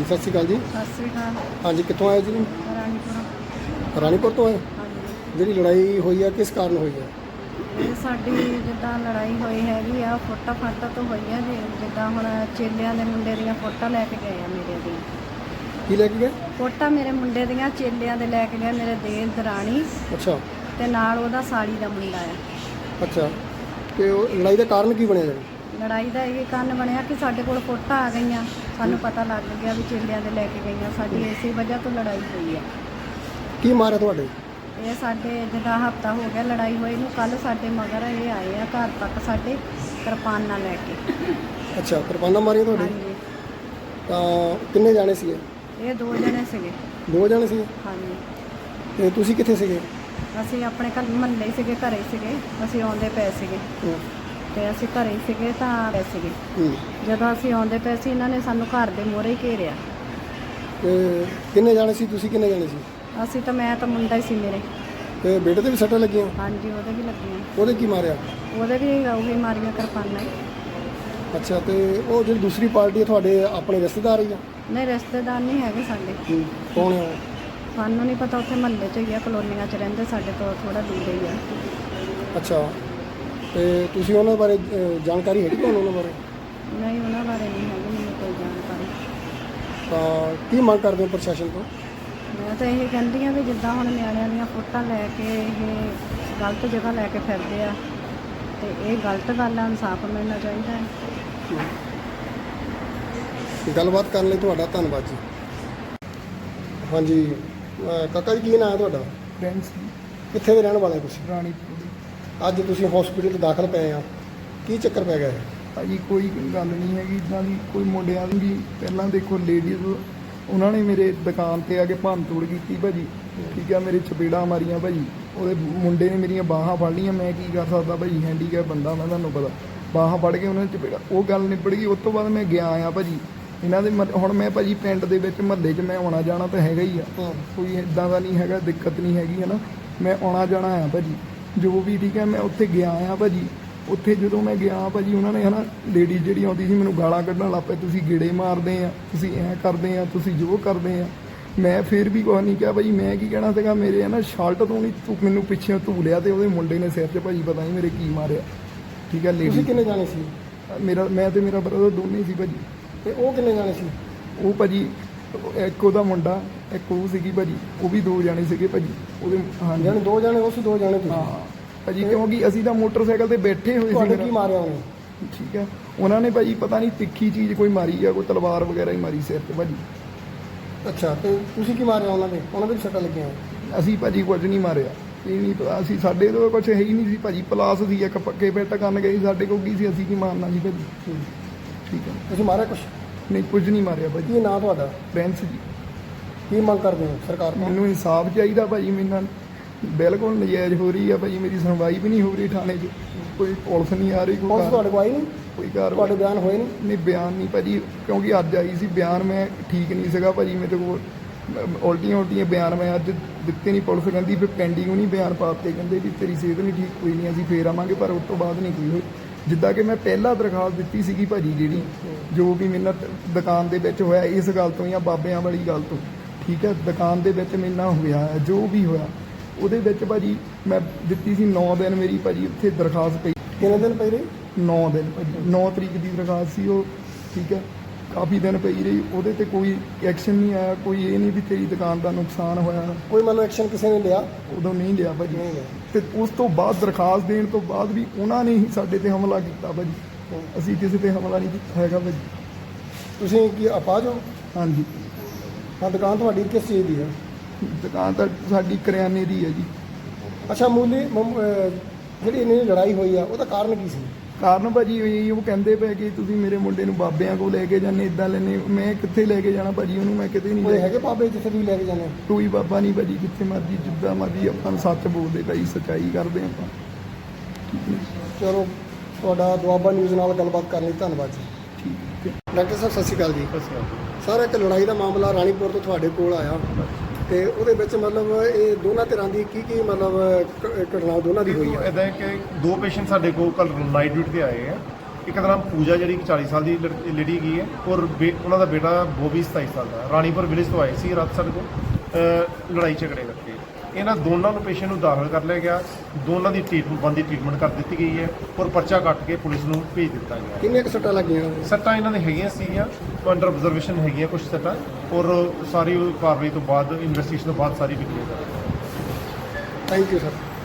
ਸਤਿ ਸ਼੍ਰੀ ਅਕਾਲ ਜੀ। ਸਤਿ ਸ੍ਰੀ ਅਕਾਲ। ਹਾਂਜੀ, ਕਿੱਥੋਂ ਆਏ ਜੀ? ਰਾਣੀਪੁਰ। ਰਾਣੀਪੁਰ ਤੋਂ ਆਏ। ਹਾਂਜੀ, ਜਿਹੜੀ ਲੜਾਈ ਹੋਈ ਆ ਕਿਸ ਕਾਰਨ ਹੋਈ ਆ? ਇਹ ਸਾਡੀ ਜਿੱਦਾਂ ਲੜਾਈ ਹੋਈ ਹੈਗੀ ਆ ਫੋਟਾ ਫਾਟਾ ਤੋਂ ਹੋਈ ਆ ਜੀ। ਜਿੱਦਾਂ ਹੁਣ ਚੇਲਿਆਂ ਦੇ ਮੁੰਡੇ ਦੀਆਂ ਫੋਟਾ ਲੈ ਕੇ ਗਏ ਆ ਮੇਰੇ ਦੀਆਂ। ਕੀ ਲੈ ਕੇ ਗਏ? ਫੋਟਾ ਮੇਰੇ ਮੁੰਡੇ ਦੀਆਂ ਚੇਲਿਆਂ ਦੇ ਲੈ ਕੇ ਗਏ ਮੇਰੇ ਦੇਰ ਦਰਾਣੀ ਅੱਛਾ ਤੇ ਨਾਲ ਉਹਦਾ ਸਾਲੀ ਦਾ ਮੁੰਡਾ ਆ। ਅੱਛਾ, ਤੇ ਉਹ ਲੜਾਈ ਦਾ ਕਾਰਨ ਕੀ ਬਣਿਆ ਜੀ? ਲੜਾਈ ਦਾ ਇਹ ਕਾਰਨ ਬਣਿਆ ਕਿ ਸਾਡੇ ਕੋਲ ਫੋਟਾ ਆ ਗਈਆਂ, ਸਾਨੂੰ ਪਤਾ ਲੱਗ ਗਿਆ ਵੀ ਚੇਲਿਆਂ ਦੇ ਲੈ ਕੇ ਗਈਆਂ। ਸਾਡੀ ਇਸੇ ਵਜ੍ਹਾ ਤੋਂ ਲੜਾਈ ਹੋਈ ਆ। ਕੀ ਮਾਰਿਆ ਤੁਹਾਡੇ? ਇਹ ਸਾਡੇ ਜਿੱਦਾਂ ਹਫ਼ਤਾ ਹੋ ਗਿਆ ਲੜਾਈ ਹੋਈ ਨੂੰ। ਕੱਲ੍ਹ ਸਾਡੇ ਮਗਰ ਇਹ ਆਏ ਆ ਘਰ ਤੱਕ ਸਾਡੇ ਕਿਰਪਾਨਾਂ ਲੈ ਕੇ। ਅੱਛਾ, ਕਿਰਪਾਨਾਂ ਮਾਰੀਆਂ ਤੁਹਾਡੇ? ਹਾਂਜੀ, ਤਾਂ ਕਿੰਨੇ ਜਾਣੇ ਸੀਗੇ? ਇਹ 2 ਜਣੇ ਸੀਗੇ। 2 ਜਾਣੇ ਸੀਗੇ। ਹਾਂਜੀ, ਤੇ ਤੁਸੀਂ ਕਿੱਥੇ ਸੀਗੇ? ਅਸੀਂ ਆਪਣੇ ਘਰ ਮੁਹੱਲੇ ਸੀਗੇ, ਘਰੇ ਸੀਗੇ। ਅਸੀਂ ਆਉਂਦੇ ਪਏ ਸੀਗੇ ਤੇ ਅਸੀਂ ਘਰੇ ਸੀਗੇ ਤਾਂ ਪਏ ਸੀਗੇ। ਜਦੋਂ ਅਸੀਂ ਆਉਂਦੇ ਪਏ ਸੀ ਇਹਨਾਂ ਨੇ ਸਾਨੂੰ ਘਰ ਦੇ ਮੂਹਰੇ ਹੀ ਘੇਰਿਆ। ਤੇ ਕਿੰਨੇ ਜਾਣੇ ਸੀ ਤੁਸੀਂ? ਕਿੰਨੇ ਜਾਣੇ ਸੀ? ਅਸੀਂ ਤਾਂ ਮੈਂ ਤਾਂ ਮੁੰਡਾ ਹੀ ਸੀ ਮੇਰੇ। ਤੇ ਬੇਟੇ ਤੇ ਵੀ ਸੱਟਾਂ ਲੱਗੀਆਂ? ਹਾਂਜੀ, ਉਹਦੇ ਵੀ ਲੱਗੀਆਂ। ਉਹਦੇ ਕੀ ਮਾਰਿਆ? ਉਹਦੇ ਵੀ ਉਹੀ ਮਾਰੀਆਂ ਕਿਰਪਾਨਾਂ ਹੀ। ਅੱਛਾ, ਤੇ ਉਹ ਜਿਹੜੀ ਦੂਸਰੀ ਪਾਰਟੀ ਹੈ ਤੁਹਾਡੇ ਆਪਣੇ ਰਿਸ਼ਤੇਦਾਰ ਹੀ ਆ? ਨਹੀਂ, ਰਿਸ਼ਤੇਦਾਰ ਨਹੀਂ ਹੈਗੇ ਸਾਡੇ। ਕੌਣ ਹੈ ਉਹ? ਸਾਨੂੰ ਨਹੀਂ ਪਤਾ, ਉੱਥੇ ਮੁਹੱਲੇ 'ਚ ਹੀ ਆ, ਕਲੋਨੀਆਂ 'ਚ ਰਹਿੰਦੇ, ਸਾਡੇ ਤੋਂ ਥੋੜਾ ਦੂਰ ਹੀ ਆ। ਅੱਛਾ, ਤੇ ਤੁਸੀਂ ਉਹਨਾਂ ਬਾਰੇ ਜਾਣਕਾਰੀ ਹੈਗੀ ਤੁਹਾਨੂੰ ਉਹਨਾਂ ਬਾਰੇ? ਨਹੀਂ, ਉਹਨਾਂ ਬਾਰੇ ਨਹੀਂ ਹੈਗੀ ਮੈਨੂੰ ਕੋਈ ਜਾਣਕਾਰੀ। ਤਾਂ ਕੀ ਮੰਗ ਕਰਦੇ ਹੋ ਪ੍ਰਸ਼ਾਸਨ ਤੋਂ? ਮੈਂ ਤਾਂ ਇਹ ਕਹਿੰਦੀ ਹਾਂ ਵੀ ਜਿੱਦਾਂ ਹੁਣ ਨਿਆਣਿਆਂ ਦੀਆਂ ਫੋਟੋਆਂ ਲੈ ਕੇ ਇਹ ਗਲਤ ਜਗ੍ਹਾ ਲੈ ਕੇ ਫਿਰਦੇ ਆ ਤੇ ਇਹ ਗਲਤ ਗੱਲ ਆ। ਇਨਸਾਫ ਮਿਲਣਾ ਚਾਹੀਦਾ ਹੈ। ਗੱਲਬਾਤ ਕਰਨ ਲਈ ਤੁਹਾਡਾ ਧੰਨਵਾਦ ਜੀ। ਹਾਂਜੀ, ਕਾਕਾ ਜੀ ਕੀ ਨਾਮ ਹੈ ਤੁਹਾਡਾ? ਫਰੈਂਡਸ ਕਿੱਥੇ ਦੇ ਰਹਿਣ ਵਾਲੇ ਹੋ ਤੁਸੀਂ? ਰਾਣੀਪੁਰ। ਅੱਜ ਤੁਸੀਂ ਹਸਪੀਟਲ 'ਚ ਦਾਖਲ ਪਏ ਆ, ਕੀ ਚੱਕਰ ਪੈ ਗਿਆ ਹੈ? ਭਾਜੀ ਕੋਈ ਗੱਲ ਨਹੀਂ ਹੈਗੀ ਇੱਦਾਂ ਦੀ। ਕੋਈ ਮੁੰਡਿਆਂ ਦੀ ਪਹਿਲਾਂ ਦੇਖੋ ਲੇਡੀਜ਼ ਉਹਨਾਂ ਨੇ ਮੇਰੇ ਦੁਕਾਨ ਤੇ ਆ ਕੇ ਭੰਨ ਤੋੜ ਕੀਤੀ ਭਾਜੀ। ਠੀਕ ਆ, ਮੇਰੇ ਚਪੇੜਾਂ ਮਾਰੀਆਂ ਭਾਜੀ। ਉਹਦੇ ਮੁੰਡੇ ਨੇ ਮੇਰੀਆਂ ਬਾਹਾਂ ਫੜ ਲਈਆਂ। ਮੈਂ ਕੀ ਕਰ ਸਕਦਾ ਭਾਜੀ, ਹੈਂਡੀਕੈਪ ਬੰਦਾ ਮੈਂ, ਤੁਹਾਨੂੰ ਪਤਾ। ਬਾਹਾਂ ਫੜ ਕੇ ਉਹਨਾਂ ਨੇ ਚਪੇੜਾ, ਉਹ ਗੱਲ ਨਿਬੜ ਗਈ। ਉਸ ਤੋਂ ਬਾਅਦ ਮੈਂ ਗਿਆ ਆ ਭਾਜੀ ਇਹਨਾਂ ਦੇ ਹੁਣ ਮੈਂ ਭਾਜੀ ਪਿੰਡ ਦੇ ਵਿੱਚ ਮੁਹੱਲੇ 'ਚ ਮੈਂ ਆਉਣਾ ਜਾਣਾ ਤਾਂ ਹੈਗਾ ਹੀ ਆ। ਕੋਈ ਇੱਦਾਂ ਦਾ ਨਹੀਂ ਹੈਗਾ, ਦਿੱਕਤ ਨਹੀਂ ਹੈਗੀ ਹੈ ਨਾ। ਮੈਂ ਆਉਣਾ ਜਾਣਾ ਆ ਭਾਜੀ ਜੋ ਵੀ। ਠੀਕ ਹੈ, ਮੈਂ ਉੱਥੇ ਗਿਆ ਆ ਭਾਜੀ। ਉੱਥੇ ਜਦੋਂ ਮੈਂ ਗਿਆ ਭਾਜੀ ਉਹਨਾਂ ਨੇ ਨਾ ਲੇਡੀਜ਼ ਜਿਹੜੀ ਆਉਂਦੀ ਸੀ ਮੈਨੂੰ ਗਾਲਾਂ ਕੱਢਣ ਲੱਗ ਪਏ। ਤੁਸੀਂ ਗੇੜੇ ਮਾਰਦੇ ਆ, ਤੁਸੀਂ ਐਂ ਕਰਦੇ ਆ, ਤੁਸੀਂ ਜੋ ਕਰਦੇ ਆ। ਮੈਂ ਫਿਰ ਵੀ ਕੁਛ ਨਹੀਂ ਕਿਹਾ ਭਾਜੀ। ਮੈਂ ਕੀ ਕਹਿਣਾ ਸੀਗਾ, ਮੇਰੇ ਨਾ ਸ਼ਰਟ ਤੋਂ ਨਹੀਂ ਤੂੰ ਮੈਨੂੰ ਪਿੱਛੇ ਧੂ ਲਿਆ ਤੇ ਉਹਦੇ ਮੁੰਡੇ ਨੇ ਸਿਰ 'ਚ ਭਾਜੀ ਪਤਾ ਨਹੀਂ ਮੇਰੇ ਕੀ ਮਾਰਿਆ। ਠੀਕ ਹੈ, ਤੁਸੀਂ ਕਿੰਨੇ ਜਾਣੇ ਸੀ? ਮੈਂ ਤੇ ਮੇਰਾ ਬ੍ਰਦਰ ਦੋਨੇ ਸੀ ਭਾਜੀ। ਤੇ ਉਹ ਕਿੰਨੇ ਜਾਣੇ ਸੀ? ਉਹ ਭਾਜੀ ਇੱਕ ਉਹਦਾ ਮੁੰਡਾ, ਇੱਕ ਉਹ ਸੀਗੀ ਭਾਜੀ। ਉਹ ਵੀ 2 ਜਾਣੇ ਸੀਗੇ ਭਾਜੀ ਉਹਦੇ। ਹਾਂਜੀ, ਜਾਣੇ 2 ਜਾਣੇ ਉਸ 2 ਜਾਣੇ ਤੁਸੀਂ? ਹਾਂ ਭਾਜੀ, ਕਿਉਂਕਿ ਅਸੀਂ ਤਾਂ ਮੋਟਰਸਾਈਕਲ ਤੇ ਬੈਠੇ ਹੋਏ ਤੁਹਾਡੇ ਸੀ। ਕੀ ਮਾਰਿਆ ਉਹਨੇ? ਠੀਕ ਹੈ, ਉਹਨਾਂ ਨੇ ਭਾਜੀ ਪਤਾ ਨਹੀਂ ਤਿੱਖੀ ਚੀਜ਼ ਕੋਈ ਮਾਰੀ ਆ, ਕੋਈ ਤਲਵਾਰ ਵਗੈਰਾ ਹੀ ਮਾਰੀ ਸਿਰ 'ਤੇ ਭਾਜੀ। ਅੱਛਾ, ਤੇ ਤੁਸੀਂ ਕੀ ਮਾਰਿਆ ਉਹਨਾਂ ਦੇ? ਉਹਨਾਂ ਦੇ ਵੀ ਸੱਟਾਂ ਲੱਗੀਆਂ? ਅਸੀਂ ਭਾਜੀ ਕੁਝ ਨਹੀਂ ਮਾਰਿਆ। ਇਹ ਨਹੀਂ ਪਤਾ, ਅਸੀਂ ਸਾਡੇ ਤੋਂ ਕੁਝ ਹੈ ਹੀ ਨਹੀਂ ਸੀ ਭਾਜੀ। ਪਲਾਸ ਸੀ ਇੱਕ ਪੱਕੇ ਪਿੱਟ ਕਰਨ ਗਏ, ਸਾਡੇ ਕੋਲ ਕੀ ਸੀ, ਅਸੀਂ ਕੀ ਮਾਰਨਾ ਸੀ ਭਾਜੀ। ਠੀਕ ਹੈ, ਤੁਸੀਂ ਮਾਰਿਆ ਕੁਛ? ਨਹੀਂ ਕੁਝ ਨਹੀਂ ਮਾਰਿਆ ਭਾਜੀ। ਕੀ ਨਾਂ ਤੁਹਾਡਾ? ਫਰੈਂਡਸ ਜੀ। ਕੀ ਮੰਗ ਕਰਦੇ ਹੋ ਸਰਕਾਰ ਤੋਂ? ਮੈਨੂੰ ਇਨਸਾਫ ਚਾਹੀਦਾ ਭਾਜੀ। ਮੇਰੇ ਨਾਲ ਬਿਲਕੁਲ ਨਜਾਇਜ਼ ਹੋ ਰਹੀ ਆ ਭਾਜੀ। ਮੇਰੀ ਸੁਣਵਾਈ ਵੀ ਨਹੀਂ ਹੋ ਰਹੀ ਥਾਣੇ 'ਚ। ਕੋਈ ਪੁਲਿਸ ਨਹੀਂ ਆ ਰਹੀ, ਪੁਲਿਸ ਤੁਹਾਡੇ ਕੋਲ ਆਈ ਨਹੀਂ? ਕੋਈ ਕਾਰਵਾਈ? ਤੁਹਾਡੇ ਬਿਆਨ ਹੋਏ ਨਹੀਂ? ਨਹੀਂ ਬਿਆਨ ਨਹੀਂ ਭਾਜੀ, ਕਿਉਂਕਿ ਅੱਜ ਆਈ ਸੀ ਬਿਆਨ। ਮੈਂ ਠੀਕ ਨਹੀਂ ਸੀਗਾ ਭਾਜੀ, ਮੇਰੇ ਕੋਲ ਉਲਟੀਆਂ ਬਿਆਨ ਮੈਂ ਅੱਜ ਦਿੱਤੇ ਨਹੀਂ। ਪੁਲਿਸ ਕਹਿੰਦੀ ਫਿਰ ਪੈਂਡਿੰਗ ਨਹੀਂ ਬਿਆਨ ਪਾਤੇ, ਕਹਿੰਦੇ ਵੀ ਤੇਰੀ ਸਿਹਤ ਨਹੀਂ ਠੀਕ, ਕੋਈ ਨਹੀਂ ਅਸੀਂ ਫੇਰ ਆਵਾਂਗੇ। ਪਰ ਉਸ ਤੋਂ ਬਾਅਦ ਨਹੀਂ ਕੋਈ ਹੋਈ। ਜਿੱਦਾਂ ਕਿ ਮੈਂ ਪਹਿਲਾਂ ਦਰਖਾਸਤ ਦਿੱਤੀ ਸੀਗੀ ਭਾਜੀ, ਜਿਹੜੀ ਜੋ ਵੀ ਮੇਰੇ ਨਾਲ ਦੁਕਾਨ ਦੇ ਵਿੱਚ ਹੋਇਆ ਇਸ ਗੱਲ ਤੋਂ ਜਾਂ ਬਾਬਿਆਂ ਵਾਲੀ ਗੱਲ ਤੋਂ। ਠੀਕ ਹੈ, ਦੁਕਾਨ ਦੇ ਵਿੱਚ ਮੇਰੇ ਨਾਲ ਹੋਇਆ ਜੋ ਵੀ ਹੋਇਆ ਉਹਦੇ ਵਿੱਚ ਭਾਜੀ ਮੈਂ ਦਿੱਤੀ ਸੀ 9 ਦਿਨ ਮੇਰੀ ਭਾਜੀ ਉੱਥੇ ਦਰਖਾਸਤ ਪਈ। ਕਿੰਨੇ ਦਿਨ ਪਈ ਰਹੀ? 9 ਦਿਨ ਭਾਜੀ, 9 ਤਰੀਕ ਦੀ ਦਰਖਾਸਤ ਸੀ ਉਹ। ਠੀਕ ਹੈ, ਕਾਫੀ ਦਿਨ ਪਈ ਰਹੀ। ਉਹਦੇ ਤੇ ਕੋਈ ਐਕਸ਼ਨ ਨਹੀਂ ਆਇਆ। ਕੋਈ ਇਹ ਨਹੀਂ ਵੀ ਤੇਰੀ ਦੁਕਾਨ ਦਾ ਨੁਕਸਾਨ ਹੋਇਆ। ਕੋਈ ਮਤਲਬ ਐਕਸ਼ਨ ਕਿਸੇ ਨੇ ਲਿਆ? ਉਦੋਂ ਨਹੀਂ ਲਿਆ ਭਾਜੀ। ਨਹੀਂ ਲਿਆ। ਤੇ ਉਸ ਤੋਂ ਬਾਅਦ ਦਰਖਾਸਤ ਦੇਣ ਤੋਂ ਬਾਅਦ ਵੀ ਉਹਨਾਂ ਨੇ ਹੀ ਸਾਡੇ ਤੇ ਹਮਲਾ ਕੀਤਾ ਭਾਜੀ। ਅਸੀਂ ਕਿਸੇ ਤੇ ਹਮਲਾ ਨਹੀਂ ਕੀਤਾ ਹੈਗਾ ਭਾਜੀ। ਤੁਸੀਂ ਕੀ ਅਪਾਹਜ ਹੋ? ਹਾਂਜੀ, ਹਾਂ। ਦੁਕਾਨ ਤੁਹਾਡੀ ਕਿਸ ਚੀਜ਼ ਦੀ ਹੈ? ਦੁਕਾਨ ਤਾਂ ਸਾਡੀ ਕਰਿਆਨੇ ਦੀ ਹੈ ਜੀ। ਅੱਛਾ, ਜਿਹੜੀ ਇੰਨੀ ਲੜਾਈ ਹੋਈ ਆ ਉਹਦਾ ਕਾਰਨ ਕੀ ਸੀ? ਕਾਰਨ ਭਾਜੀ ਇਹ ਉਹ ਕਹਿੰਦੇ ਪਏ ਕਿ ਤੁਸੀਂ ਮੇਰੇ ਮੁੰਡੇ ਨੂੰ ਬਾਬਿਆਂ ਕੋਲ ਲੈ ਕੇ ਜਾਂਦੇ, ਇੱਦਾਂ ਲੈਂਦੇ। ਮੈਂ ਕਿੱਥੇ ਲੈ ਕੇ ਜਾਣਾ ਭਾਜੀ ਉਹਨੂੰ? ਮੈਂ ਕਿਤੇ ਨਹੀਂ ਕੋਈ ਲੈ। ਹੈਗੇ ਬਾਬੇ ਜਿੱਥੇ ਤੁਸੀਂ ਲੈ ਕੇ ਜਾਂਦੇ? ਕੋਈ ਬਾਬਾ ਨਹੀਂ ਭਾਜੀ, ਜਿੱਥੇ ਮਰਜੀ ਜਿੱਦਾਂ ਮਰਜੀ ਆਪਾਂ ਸੱਚ ਬੋਲਦੇ ਭਾਈ, ਸੱਚਾਈ ਕਰਦੇ ਆਪਾਂ। ਚਲੋ, ਤੁਹਾਡਾ ਦੁਆਬਾ ਨਿਊਜ਼ ਨਾਲ ਗੱਲਬਾਤ ਕਰਨ ਲਈ ਧੰਨਵਾਦ ਜੀ। ਠੀਕ ਹੈ। ਡਾਕਟਰ ਸਾਹਿਬ ਸਤਿ ਸ਼੍ਰੀ ਅਕਾਲ ਜੀ। ਸਰ, ਇੱਕ ਲੜਾਈ ਦਾ ਮਾਮਲਾ ਰਾਣੀਪੁਰ ਤੋਂ ਤੁਹਾਡੇ ਕੋਲ ਆਇਆ ਤੇ ਉਹਦੇ ਵਿੱਚ ਮਤਲਬ ਇਹ ਦੋਨਾਂ ਧਿਰਾਂ ਦੀ ਕੀ ਮਤਲਬ ਘਟਨਾ ਦੋਨਾਂ ਦੀ ਹੋਈ ਹੈ? ਇੱਦਾਂ ਕਿ 2 ਪੇਸ਼ੈਂਟ ਸਾਡੇ ਕੋਲ ਕੱਲ੍ਹ ਨਾਈਟ ਡਿਊਟੀ ਤੇ ਆਏ ਆ। ਇੱਕ ਦਾ ਨਾਮ ਪੂਜਾ ਜਿਹੜੀ ਕਿ 40 ਸਾਲ ਦੀ ਲੇਡੀ ਹੈਗੀ ਹੈ, ਔਰ ਉਹਨਾਂ ਦਾ ਬੇਟਾ ਬੋਬੀ 27 ਸਾਲ ਦਾ। ਰਾਣੀਪੁਰ ਵਿਲੇਜ ਤੋਂ ਆਏ ਸੀ ਰਾਤ ਸਾਡੇ ਕੋਲ ਲੜਾਈ ਝਗੜੇ ਕਰਕੇ। ਇਹਨਾਂ ਦੋਨਾਂ ਨੂੰ ਪੇਸ਼ੈਂਟ ਨੂੰ ਦਾਖਲ ਕਰ ਲਿਆ ਗਿਆ, ਦੋਨਾਂ ਦੀ ਟ੍ਰੀਟਮੈਂਟ ਕਰ ਦਿੱਤੀ ਗਈ ਹੈ ਔਰ ਪਰਚਾ ਕੱਟ ਕੇ ਪੁਲਿਸ ਨੂੰ ਭੇਜ ਦਿੱਤਾ ਗਿਆ। ਕਿੰਨੇ ਕੁ ਸੱਟਾਂ ਲੱਗੀਆਂ? ਸੱਟਾਂ ਇਹਨਾਂ ਦੇ ਹੈਗੀਆਂ ਸੀਗੀਆਂ, ਅੰਡਰ ਆਬਜ਼ਰਵੇਸ਼ਨ ਹੈਗੀਆਂ ਕੁਝ ਸੱਟਾਂ, ਔਰ ਸਾਰੀ ਕਾਰਵਾਈ ਤੋਂ ਬਾਅਦ ਇਨਵੈਸਟੀਗੇਸ਼ਨ ਤੋਂ ਬਾਅਦ ਸਾਰੀ ਵਿਕਰੀ ਥੈਂਕ ਯੂ ਸਰ।